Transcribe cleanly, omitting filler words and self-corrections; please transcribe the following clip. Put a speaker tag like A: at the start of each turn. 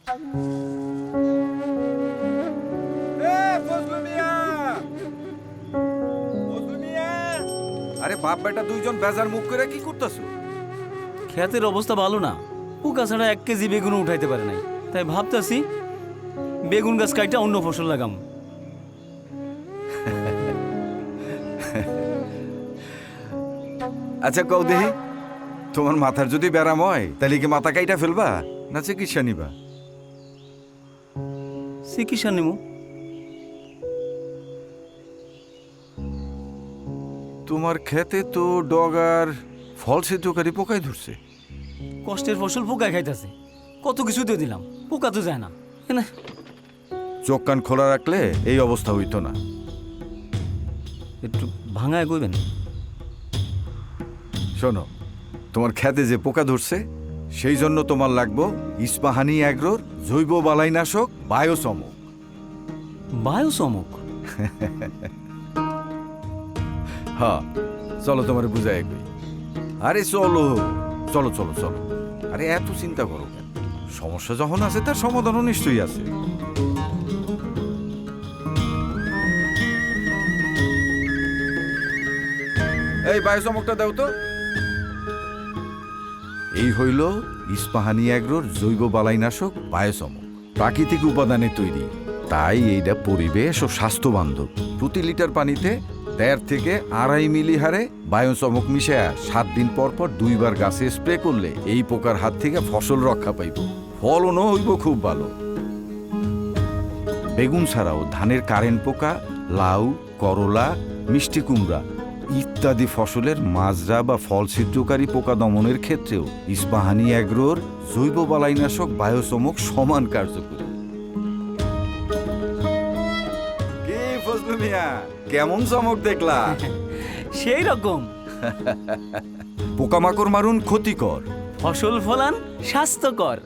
A: আরে বাপ বেটা দুইজন বেজার মুখ করে কি করতেছো?
B: ক্ষেতের অবস্থা ভালো না, পোকা ছাড়া 1 কেজি বেগুনও উঠাইতে পারে নাই, তাই ভাবতেছি বেগুন গাছ কাইটা অন্য ফসল লাগাম।
A: আচ্ছা কও দেহি, তোমার মাথার যদি ব্যারাম হয় তাহলে কি মাথা কাইটা ফেলবা না চিকিৎসা নিবা?
B: চিকিৎসা নিমু।
A: তোমার খেতে তো ডগার ফল সিদ্ধকারী পোকাই ধরছে।
B: কষ্টের ফসল পোকা খাইতেছে, কত কিছু দিয়ে দিলাম, পোকা তো যায় না। এনে
A: চোখ কান খোলা রাখলে এই অবস্থা হইতো না।
B: একটু ভাঙায় কইবেন।
A: শোনো, তোমার খেতে যে পোকা ধরছে সেই জন্য তোমার লাগবো ইস্পাহানি অ্যাগ্রোর জৈব বালাইনাশক বায়োসমক।
B: বায়ু চমক?
A: হ্যাঁ, চলো তোমার বুঝাই কই। আরে চলো চলো চলো চলো, আরে এত চিন্তা করো কেন? সমস্যা যখন আছে তার সমাধানও নিশ্চয়ই আছে। এই বায়োসমকটা দাও তো। এই হইল ইস্পাহানি অ্যাগ্রোর জৈব বালাইনাশক বায়োসমক, প্রাকৃতিক উপাদানে তৈরি, তাই এইটা পরিবেশ ও স্বাস্থ্য বান্ধব। প্রতি লিটার পানিতে 1.5 থেকে 2.5 মিলি হারে বায়োসমক মিশায়া 7 দিন পর পর 2 বার গাছে স্প্রে করলে এই পোকার হাত থেকে ফসল রক্ষা পাইব, ফলনও হইব খুব ভালো। বেগুন ছাড়াও ধানের কারেন্ট পোকা, লাউ, করলা, মিষ্টি কুমড়া ইত্যাদি ফসলের মাজরা বা ফল ছিদ্রকারী পোকা দমনের ক্ষেত্রেও ইস্পাহানি অ্যাগ্রোর জৈব বালাইনাশক বায়োসমক সমান কার্যকরী। কি ফজলু মিয়া, কেমন চমক দেখলা?
B: সেই রকম।
A: পোকামাকড় মারুন ক্ষতিকর,
B: ফসল ফলান স্বাস্থ্যকর।